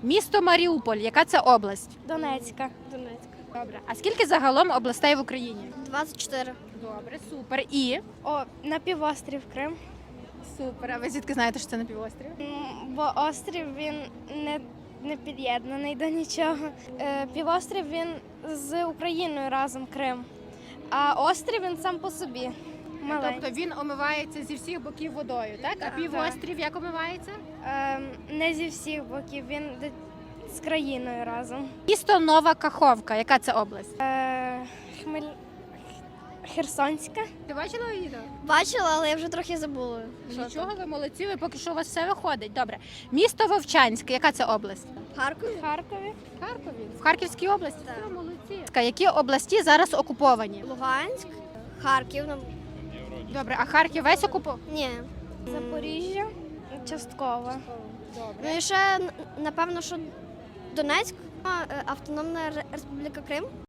Місто Маріуполь, яка це область? Донецька. Добре. А скільки загалом областей в Україні? 24. Добре, супер. І? О, на півострів Крим. Супер. А ви звідки знаєте, що це на півострів? Бо острів він не під'єднаний до нічого. Півострів він з Україною разом Крим. А острів він сам по собі. Маленький. Тобто він омивається зі всіх боків водою, так? А півострів як омивається? Не зі всіх боків, він з країною разом. Місто Нова Каховка, яка це область? Херсонська. Ти бачила відео? Бачила, але я вже трохи забула. Нічого, ви молодці, ви поки що у вас все виходить. Добре. Місто Вовчанське, яка це область? Харкові. В Харкові. В Харківській області? Так. Все, молодці. Які області зараз окуповані? Луганськ, Харків. Добре, а Харків весь окупований? Ні. Запоріжжя частково. Добре. Ну і ще, напевно, що Донецьк, Автономна Республіка Крим.